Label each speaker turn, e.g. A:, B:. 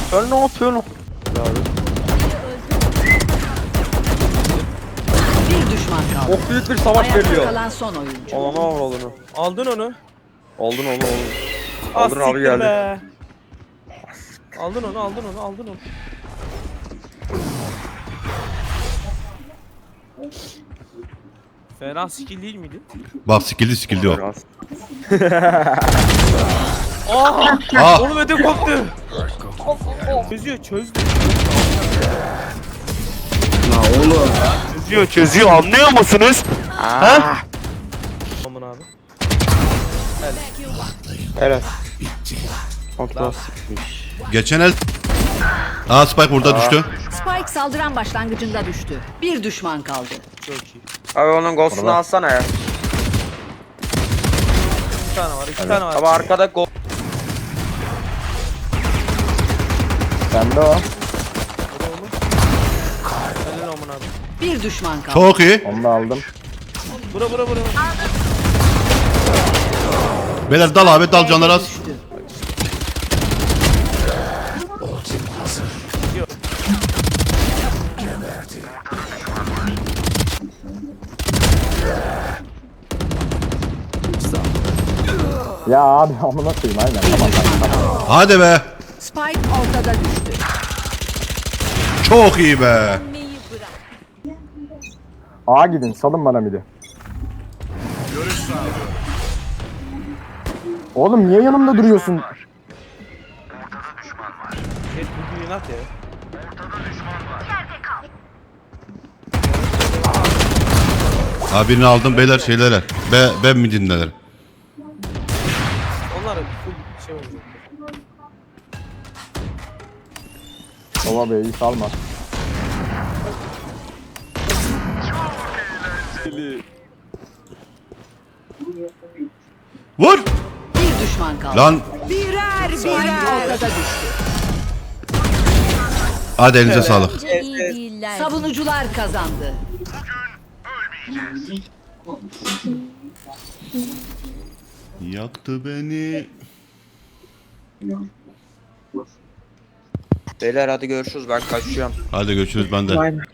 A: Sen ne yapıyorsun?
B: Bir düşman kaldı.
A: Çok büyük bir savaş
B: Ayakta
A: veriliyor.
B: kalan son oyuncu.
A: Ananı avradını.
C: Aldın onu.
A: Aldın onu.
C: Ah,
A: Aldın abi
C: siktir
A: geldi.
C: be. Aldın onu. Fena skill değil miydi?
D: Bak skill'di o.
A: Biraz.
D: Ah!
C: Oğlum ödüm koptu. Çözdü.
A: Çözüyor anlıyor musunuz?
C: Aman abi.
A: Evet. Kontrol sıkmış.
D: Geçen el... Aa Spike burada düştü.
B: Spike saldıran başlangıcında düştü. Bir düşman kaldı.
C: Çok iyi.
A: Abi onun ghost'unu alsana ya.
C: İki tane var.
A: Abi arkada ghost.
E: Bende o.
C: Helal aman abi.
B: Bir düşman kaldı.
D: Çok iyi.
E: Onu da aldım.
C: Bura.
D: Beyler dal abi dal canlar az.
B: Düştü.
E: Ya abi amına koyayım aynen.
B: Bir
E: Tamam.
B: düşman kaldı.
D: Hadi be.
B: Spike ortada düştü.
D: Çok iyi be.
E: A gidin salın bana midi. Oğlum niye yanımda duruyorsun?
C: Jet bugün inat ya.
D: Ha birini aldım beyler şeylere. Ben mi dinlerim?
C: Onlar full şey olacak.
E: Baba B'yi salma.
D: Vur.
B: Bir düşman kaldı.
D: Lan
B: Spike ortada düştü.
D: hadi elinize sağlık.
F: iyi değiller.
B: Savunucular kazandı.
D: Yaktı beni.
A: Beyler hadi görüşürüz ben kaçıyorum.
D: Hadi görüşürüz ben de.